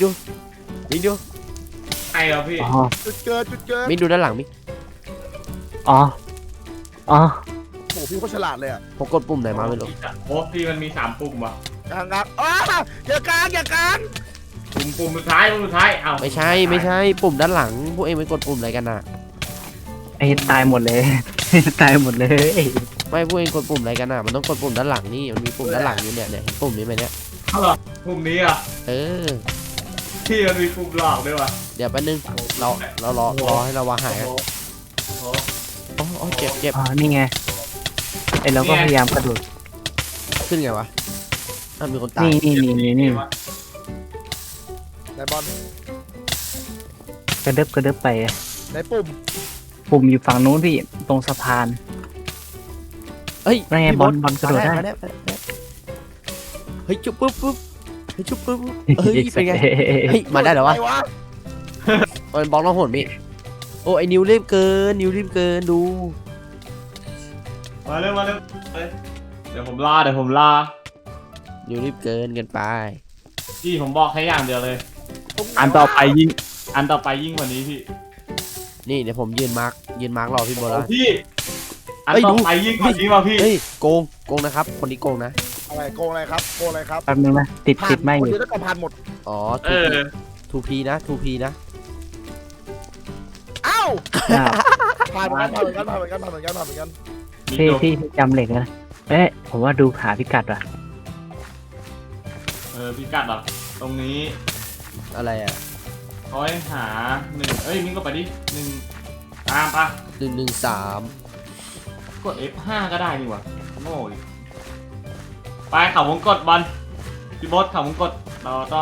[SPEAKER 1] ไอ้เหรอพี่
[SPEAKER 4] อ๋อ
[SPEAKER 2] จุดเกิด
[SPEAKER 3] มิกดูด้านหลังมิก
[SPEAKER 4] อ๋อ
[SPEAKER 2] โอ้โหพี่โคตรฉลาดเลยอ่ะ
[SPEAKER 3] ผมกดปุ่มไหนมาไม่รู้
[SPEAKER 1] โอ้พี่มันมี3 ปุ่มว่ะ
[SPEAKER 2] กลางอย่ากลาง
[SPEAKER 1] ปุ่มสุดท้ายเอ้า
[SPEAKER 3] ไม่ใช่ปุ่มด้านหลังพวกเองไปกดปุ่มอะไรกันน่ะ
[SPEAKER 4] ไอ้ตายหมดเลย ตายหมดเลย
[SPEAKER 3] ไม่พวกเองกดปุ่มอะไรกันน่ะมันต้องกดปุ่มด้านหลังนี่มันมีปุ่มด้านหลังอยู่เนี่ยเห็นปุ่มนี้ไหมเนี่ย
[SPEAKER 1] ปุ่มนี้อ่ะ
[SPEAKER 3] เออ
[SPEAKER 1] พี่มันมีปุ่มหลอกด้วยว่ะ
[SPEAKER 3] เดี๋ยวแป๊บนึงเรารอให้เราวาหายกัน
[SPEAKER 1] โอ้โห
[SPEAKER 3] อ๋อเจ็บ
[SPEAKER 4] อ๋อนี่ไงไอ้เราก็พยายามกระโดด
[SPEAKER 3] ขึ้นไงวะมีคนตาย
[SPEAKER 4] นี่
[SPEAKER 2] ไหนบอล
[SPEAKER 4] กระเดิบไป
[SPEAKER 2] ไหนปุ่ม
[SPEAKER 4] ปุ่มอยู่ฝั่งนู้นพี่ตรงสะพาน
[SPEAKER 3] เฮ้ย
[SPEAKER 4] นั่นไง
[SPEAKER 3] พี่
[SPEAKER 4] บอลกระโดดได้
[SPEAKER 3] มาเฮ้ยจุ๊บปุ๊บเฮ้ยจุ๊บปุ๊บเฮ้ยเป็นไงเฮ้ยมาได้เหรอวะ
[SPEAKER 2] ไหนวะ
[SPEAKER 3] มันบล็อกเราโหดมิโอ้ไอ้นิวรีบเกินดู
[SPEAKER 1] มาเร็วเดี๋ยวผมลา
[SPEAKER 3] นิวรีบเกินไป
[SPEAKER 1] พี่ผมบอกแค่อย่างเดียวเลย
[SPEAKER 4] อันต่อไปยิง
[SPEAKER 1] อันต่อไปยิ่งกว่านี้พี่
[SPEAKER 3] นี่เดี๋ยวผมยืนมาร์กรอพี่โบแล้ว
[SPEAKER 1] พี่อัน
[SPEAKER 3] เฮ้ย
[SPEAKER 1] ต่อ
[SPEAKER 3] ดู
[SPEAKER 1] ไปยิ่งกว่านี้ว่ะพี่
[SPEAKER 3] เฮ้ยโกงนะครับคนนี้โกงนะ
[SPEAKER 2] อะไรโกงอะไรครับ
[SPEAKER 4] แป๊บนึงนะติดไม่อ
[SPEAKER 2] คน
[SPEAKER 4] ยู่
[SPEAKER 2] เดียวต้องผ่านหมด
[SPEAKER 3] อ๋อ
[SPEAKER 1] เออ
[SPEAKER 3] 2P นะ
[SPEAKER 2] อ้าว
[SPEAKER 4] อ้าว
[SPEAKER 2] ผ่านเหมือนกัน
[SPEAKER 1] มี
[SPEAKER 4] พี่
[SPEAKER 1] จบ
[SPEAKER 4] พี่จำเหล็กนะผมว่าดูหาพิกัดว่ะ
[SPEAKER 1] พี่กัดเหรอตรงนี้
[SPEAKER 3] อะไรอ่ะ
[SPEAKER 1] เขาให้หา1มิ้งก็ไปดิ1ตามปะ
[SPEAKER 3] 113
[SPEAKER 1] กด F5 ก็ได้นี่หว่าโง่ดิไปเขาวงกดบอลพี่บอสเขาวงกดเราต้อง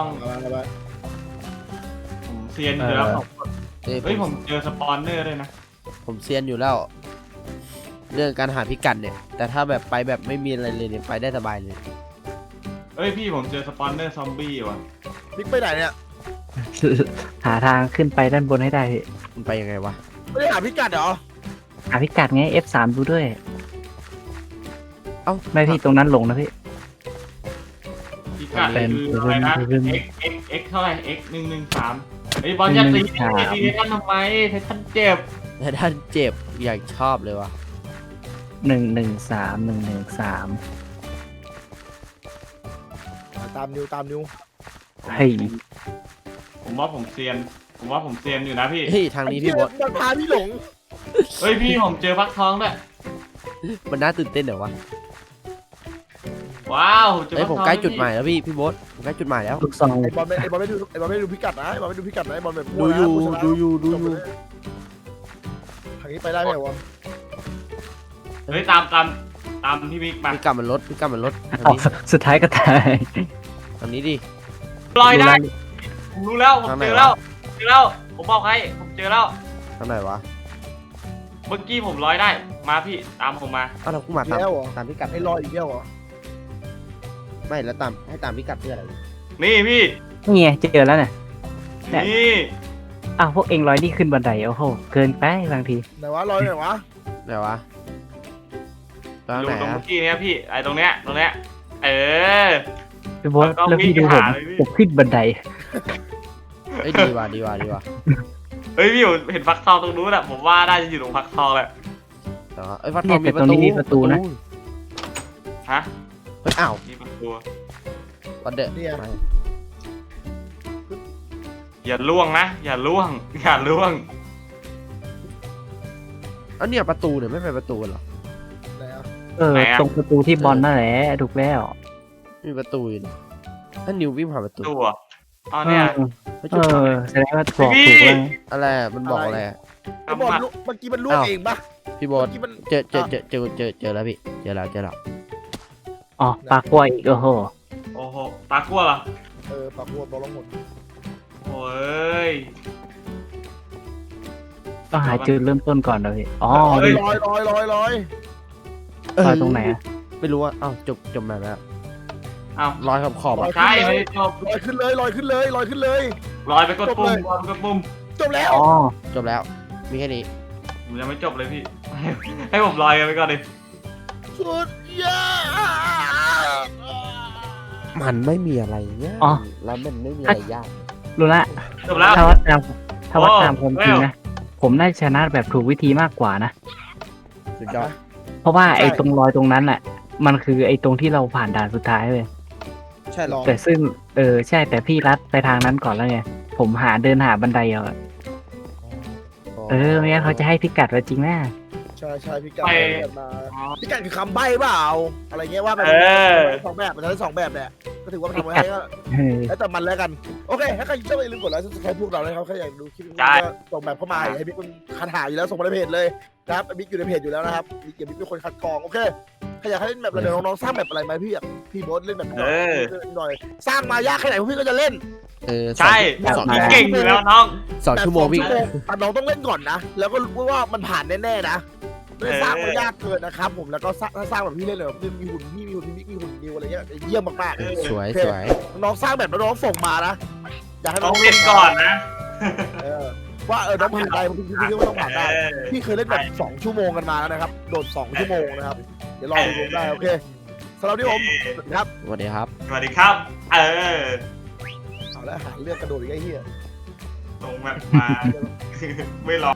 [SPEAKER 1] ผมเซียนอยู่แล้วเฮ้ยผมเจอสปอนเนอร์ด้วยนะ
[SPEAKER 3] ผมเซียนอยู่แล้ว เรื่องการหาพิกัดเนี่ย แต่ถ้าแบบไปแบบไม่มีอะไรเลยเนี่ยไปได้สบายเลย
[SPEAKER 1] เฮ้ยพี่ผมเจอสปอนเนอร์ซอมบี้ว่ะ
[SPEAKER 2] บิ๊กไปไหนเนี่ย
[SPEAKER 4] หาทางขึ้นไปด้านบนให้ได้พี่
[SPEAKER 3] มันไปยังไงวะ
[SPEAKER 2] ไม่ได้หาพิกัดเหรอ
[SPEAKER 4] หาพิกัดไง F3 ดูด้วย
[SPEAKER 3] เอ้า
[SPEAKER 4] ไม่พี่ตรงนั้นหลงนะพี่
[SPEAKER 1] พี่กัด
[SPEAKER 4] เป็น
[SPEAKER 1] คืออะไรนะ
[SPEAKER 4] เป็น
[SPEAKER 1] x เท่าไหร่ x 113เฮ้ยบอลอย่าตีตีท่านทำไมท่านเจ็บ
[SPEAKER 3] แต่ท่านเจ็บอย่างชอบเลยวะ
[SPEAKER 4] 113
[SPEAKER 2] ตามนิว
[SPEAKER 4] เฮ้ย
[SPEAKER 1] ผมว่าผมเซียนอยู่นะพี่
[SPEAKER 3] เฮ้ยทางนี้พี่บอส
[SPEAKER 2] มันพาพี่หลง
[SPEAKER 1] เฮ้ยพี่ผมเจอฟักทองด้วย
[SPEAKER 3] มันน่าตื่นเต้นเหรอวะ
[SPEAKER 1] ว้าวเจอ
[SPEAKER 3] เฮ้ย
[SPEAKER 1] ฟัก
[SPEAKER 3] ผม
[SPEAKER 1] ทอง
[SPEAKER 3] ใกล้จุดหมายแล้วพี่โบอสผมใกล้จุดหมายแล้ว
[SPEAKER 4] ลูกซอง
[SPEAKER 2] ไอ้บอลไม่ดูพิกัดนะไอ้บอลไม่ดูพิกัดนะไอ้บอลแบบ
[SPEAKER 3] ดูอยู่
[SPEAKER 2] ทางนี้ไปได้ไหมวะ
[SPEAKER 1] เฮ้ยตามพี่มิกมา
[SPEAKER 3] พิกัดมันลดทาง
[SPEAKER 4] เอา
[SPEAKER 3] นี้
[SPEAKER 4] สุดท้ายก็ตาย
[SPEAKER 3] ทางนี้ดิ
[SPEAKER 1] ลอยได้ผมรู้แล้วผมเจอแล้วผมบอกให้ผมเจอแล้ว
[SPEAKER 3] ทางไหนวะ
[SPEAKER 1] เมื่อกี้ผมลอยได้มาพี่ตามผมมา
[SPEAKER 3] อ้าวเรากูมาตาม
[SPEAKER 2] แล้วเหรอ
[SPEAKER 3] ตามพิกัด
[SPEAKER 2] ไอ้รออีกแล้วเหรอ
[SPEAKER 3] ไม่แล้วให้ตามพิกัดเพื่ออะไร
[SPEAKER 1] นี่พี่
[SPEAKER 4] นี่ไงเจอแล้วเนี่ย
[SPEAKER 1] นี่
[SPEAKER 4] อ้าวพวกเองลอยนี่ขึ้นบันไดโอ้โหเกินไปบางที
[SPEAKER 2] ไหนวะรอไหนวะ
[SPEAKER 3] ไหนวะตรง
[SPEAKER 1] ดู
[SPEAKER 3] ไหน
[SPEAKER 1] ตรง
[SPEAKER 3] อะ
[SPEAKER 1] เมื่อกี้เนี้ยพี่ไอ้ตรงเนี้ยเออ
[SPEAKER 4] พี่โบ๊ท
[SPEAKER 1] แล้วก็
[SPEAKER 4] แล้วพี่ดู
[SPEAKER 1] วิ่ง
[SPEAKER 4] ผม
[SPEAKER 1] หาเลยพี่
[SPEAKER 4] ผมขึ้นบันได
[SPEAKER 3] เอ้ยดีว่ะดีว่ะดีว่ะ
[SPEAKER 1] เฮ้ยพี่อยู่เห็นฟักทองตรงนู้นอะผมว่าน่าจะอยู่ตรงฟักทองแหละ
[SPEAKER 3] แต่ว่าเอ้ยฟัดทองมีประตู
[SPEAKER 4] มีประตูนะ
[SPEAKER 1] ฮะ
[SPEAKER 3] เฮ้ยอ้าว
[SPEAKER 1] นี่ประตู
[SPEAKER 3] วันเดอร์
[SPEAKER 2] เนี่ย
[SPEAKER 1] อย่าล่วงนะอย่าล่วงอย่าล่วง
[SPEAKER 3] อันเนี่ยประตูเนี่ยไม่เป็นประตูเหรอ
[SPEAKER 4] ตรงประตูที่บอลนั่นแหละถูกแล้ว
[SPEAKER 3] มีประตูอยู่นี่ถ้านิววิ่งผ่านประตู
[SPEAKER 1] ตัวอ๋อเนี่ย
[SPEAKER 3] เฮ้ย
[SPEAKER 4] เอ
[SPEAKER 3] จุด
[SPEAKER 4] อแสดงว่าบอกถูกแล้ว
[SPEAKER 3] อะไรอะมันบอกอะไรอะ
[SPEAKER 2] ไอ้บอลลุกเมื่อกี้มันล่วงเองปะ
[SPEAKER 3] พี่โบอ
[SPEAKER 2] เมื่
[SPEAKER 3] ส
[SPEAKER 2] อกี้มัน
[SPEAKER 3] เจอแล้วพี่เจอแล้ว
[SPEAKER 4] อ๋อปลากล้วยอีกโอ้โห
[SPEAKER 1] โอ้โหตากลัวเหรอ
[SPEAKER 2] ปากบัวบอลลงหมด
[SPEAKER 1] โอ้ย
[SPEAKER 4] ต้องหาจุดเริ่มต้นก่อนเลยอ๋อ
[SPEAKER 1] เฮ้ย
[SPEAKER 4] นี่
[SPEAKER 2] ลอย
[SPEAKER 4] ลอยตรงไหนอะ
[SPEAKER 3] ไม่รู้ว่าอ้าวจบแบบแล้ว
[SPEAKER 1] อ้าว
[SPEAKER 3] ลอยขอบๆอะ
[SPEAKER 1] ใช่ไม่ได้จบ
[SPEAKER 2] ลอยขึ้นเลยลอยขึ้นเลยลอยขึ้นเลย
[SPEAKER 1] ลอยไปกดปุ่มลอยไปกดปุ่ม
[SPEAKER 2] จบแล้ว
[SPEAKER 4] อ๋อ
[SPEAKER 3] จบแล้วมีแค่นี้
[SPEAKER 1] ผมยังไม่จบเลยพี่ ให้ผมลอยกันไปก่อนดิ
[SPEAKER 2] สุดยอด
[SPEAKER 3] มันไม่มีอะไรเนี่ย
[SPEAKER 4] อ๋อ
[SPEAKER 3] แล้วมันไม่มีอะไรยาก
[SPEAKER 4] รู้ละ
[SPEAKER 1] จบแล้ว
[SPEAKER 4] ถ้าวัดตามความจริง
[SPEAKER 1] แล้ว
[SPEAKER 4] นะผมน่าจะชนะแบบถูกวิธีมากกว่านะ
[SPEAKER 3] สุดยอด
[SPEAKER 4] เพราะว่าไอ้ตรงรอยตรงนั้นแหละมันคือไอ้ตรงที่เราผ่านด่านสุดท้ายเลย
[SPEAKER 3] ใช่หรอ
[SPEAKER 4] แต่ซึ่งใช่แต่พี่รัดไปทางนั้นก่อนแล้วไงผมเดินหาบันไดเอาอะไม่งั้นเขาจะให้พิกัดเราจริงแน่
[SPEAKER 2] ใช่พี่กันมาพี่กันคือคำใบ้เปล่าอะไรเงี้ยว่าไปสองแบบมันใช้สองแบบแหละก็ถือว่าทำไว้ให้ก็ แล้วแต่มันแล้วกันโอเคถ้าใครชอบอย่าลืมกดไลค์ซับสไครต์พวกเราเลยครับใครอยากดูคลิปนี้ก็ส่งแบบเข้ามาให้บิ๊กมันคัดหาอยู่แล้วส่งมาในเพจเลยนะครับบิ๊กอยู่ในเพจอยู่แล้วนะครับบิ๊กเดี๋ยวบิ๊กเป็นคนคัดกรองโอเคใครอยากให้เล่นแบบอะไรเดี๋ยวน้องๆสร้างแบบอะไรไหมพี่อยากพี่โบ๊ทเล่นแบบหน่อยสร้างมายากแค่ไหนพวกพี่ก็จะเล่น
[SPEAKER 1] ใช่
[SPEAKER 3] สอง
[SPEAKER 1] พี่เก่งอยู่แล้วน้อง
[SPEAKER 3] ชั่วโมงวิ่ง
[SPEAKER 2] แต่น้องต้องเล่นก่อนนะแล้วก็รู้ว่ามันผ่านแน่ๆนะไม่สร้างมันยากเกินนะครับผมแล้วก็ถ้าสร้างแบบพี่เล่นเลยมีหุ่นพี่มีหุ่นบิ๊กมีหุ่นนิวอะไรเงี้ยเยี่ยมมากๆ
[SPEAKER 3] สวย
[SPEAKER 2] น้องสร้างแบบน้องส่งมานะอยากให้
[SPEAKER 1] ต้องเล่นก่อนนะ
[SPEAKER 2] ว่าน้องผ่านได้พี่ก็ต้องผ่านได้พี่เคยเล่นแบบ2 ชั่วโมงกันมาแล้วนะครับโดด2 ชั่วโมงนะครับเดี๋ยวรอดูได้โอเคสำหรับที่ผมครับ
[SPEAKER 3] สวัสดีครับ
[SPEAKER 1] สวัสดีครับ
[SPEAKER 2] เอาแล้วหาเรื่องกระโดดอีกไอ้เหี้ย
[SPEAKER 1] ตรงแบบมา ไม่รอ